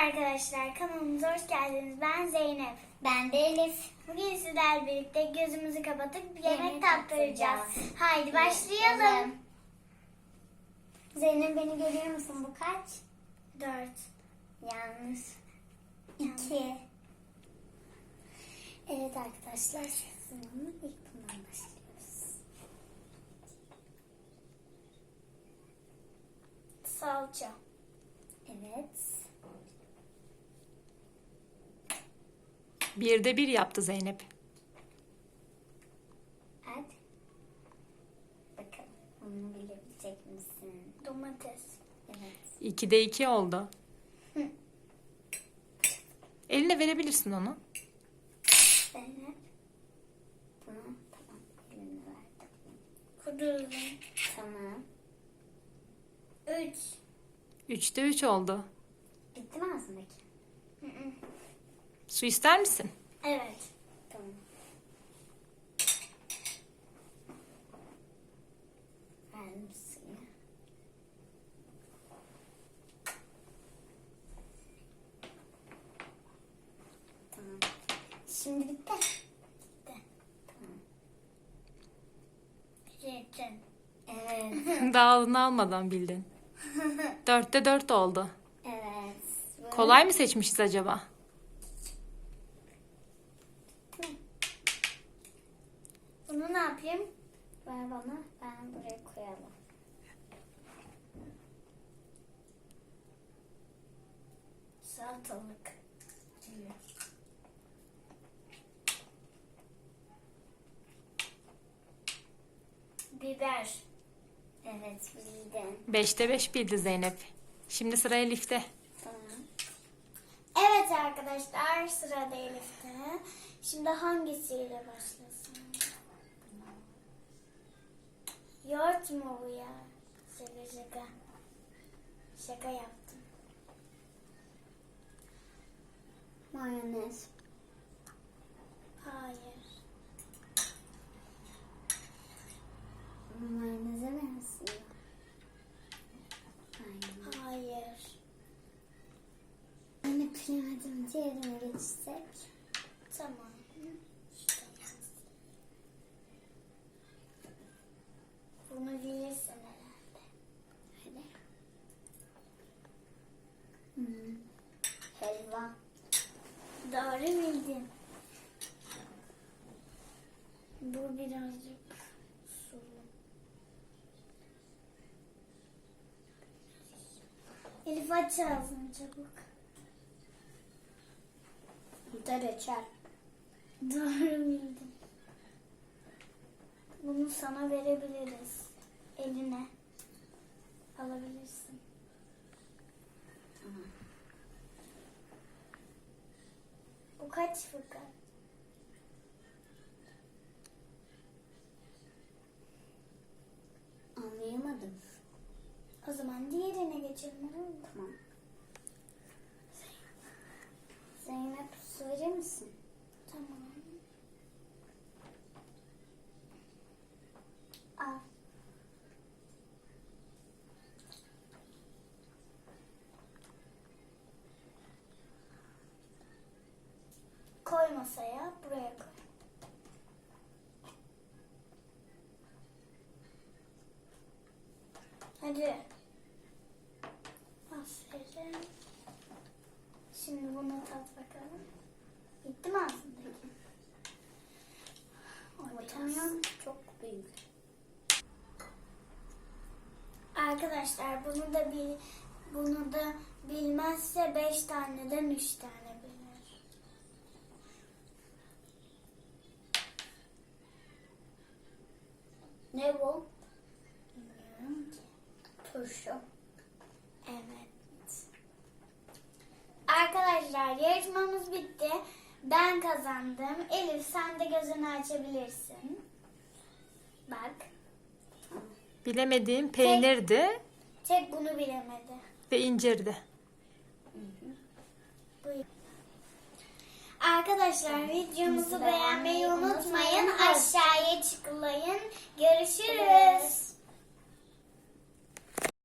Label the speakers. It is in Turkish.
Speaker 1: arkadaşlar, kanalımıza hoş geldiniz. Ben Zeynep.
Speaker 2: Ben de Elif.
Speaker 1: Bugün sizlerle birlikte gözümüzü kapatıp bir yemek
Speaker 2: Yemek
Speaker 1: tattıracağız.
Speaker 2: tattıracağız.
Speaker 1: Haydi başlayalım.
Speaker 2: Zeynep, beni görüyor musun? Bu kaç?
Speaker 1: 4.
Speaker 2: Yanlış. 2. Evet arkadaşlar, şimdi ilk bundan başlıyoruz.
Speaker 1: Salça.
Speaker 2: Evet.
Speaker 3: 1'de 1 yaptı Zeynep.
Speaker 2: Hadi. Bakalım bunu bilebilecek misin?
Speaker 1: Domates.
Speaker 2: Evet.
Speaker 3: 2'de 2 oldu. Eline verebilirsin onu.
Speaker 2: Zeynep. Bunu tamam, elini verdim.
Speaker 1: Kudurun.
Speaker 2: Tamam.
Speaker 1: 3.
Speaker 3: 3'te 3 oldu.
Speaker 2: Bitti mi ağzındaki?
Speaker 3: Su ister misin?
Speaker 1: Evet.
Speaker 2: Tamam. Verdim suyu. Tamam. Şimdi bitti.
Speaker 1: Bitti.
Speaker 2: Tamam.
Speaker 1: Zeytin.
Speaker 2: Evet.
Speaker 3: Dağılını almadan bildin. 4'te 4 oldu.
Speaker 2: Evet. Bu-
Speaker 3: Kolay mı seçmişiz acaba?
Speaker 1: Bunu ne yapayım?
Speaker 2: Ver bana. Ben buraya koyalım.
Speaker 1: Salatalık. Biber.
Speaker 2: Evet, bildin.
Speaker 3: 5'te 5 bildi Zeynep. Şimdi sıra Elif'te.
Speaker 2: Tamam.
Speaker 1: Evet arkadaşlar, sırada Elif'te. Şimdi hangisiyle başlasın? Yoğurt mu bu ya? Şaka. Şaka yaptım.
Speaker 2: Mayonez.
Speaker 1: Hayır.
Speaker 2: Mayoneze benziyor. Aynen.
Speaker 1: Hayır.
Speaker 2: Yine bilemedim. Diğerine geçsek.
Speaker 1: Tamam. Bunu bilirsin herhalde.
Speaker 2: Hadi. Helva.
Speaker 1: Doğru bildin. Bu birazcık sulu. Elif aç ağzını çabuk.
Speaker 2: Bu da reçel.
Speaker 1: Doğru bildin. Bunu sana verebiliriz. Eline alabilirsin. Bu kaç fıkra?
Speaker 2: Anlayamadım.
Speaker 1: O zaman diğerine geçelim, olur mu?
Speaker 2: Tamam. Zeynep, su verir misin?
Speaker 1: Tamam.
Speaker 2: Al.
Speaker 1: Koy masaya, buraya koy. Hadi. Aferin. Şimdi bunu tat bakalım. Bitti mi ağzındaki?
Speaker 2: Watermelon çok büyük.
Speaker 1: Arkadaşlar bunu da bilmezse 5 taneden 3 tane bilir.
Speaker 2: Ne bu?
Speaker 1: Bilmiyorum ki.
Speaker 2: Turşu.
Speaker 1: Evet. Arkadaşlar, yarışmamız bitti. Ben kazandım. Elif, sen de gözünü açabilirsin. Bak.
Speaker 3: Bilemediğim peynirdi
Speaker 1: Tek bunu bilemedi.
Speaker 3: ve incirdi.
Speaker 1: Buyur. Arkadaşlar, videomuzu beğenmeyi unutmayın. Aşağıya tıklayın. Görüşürüz.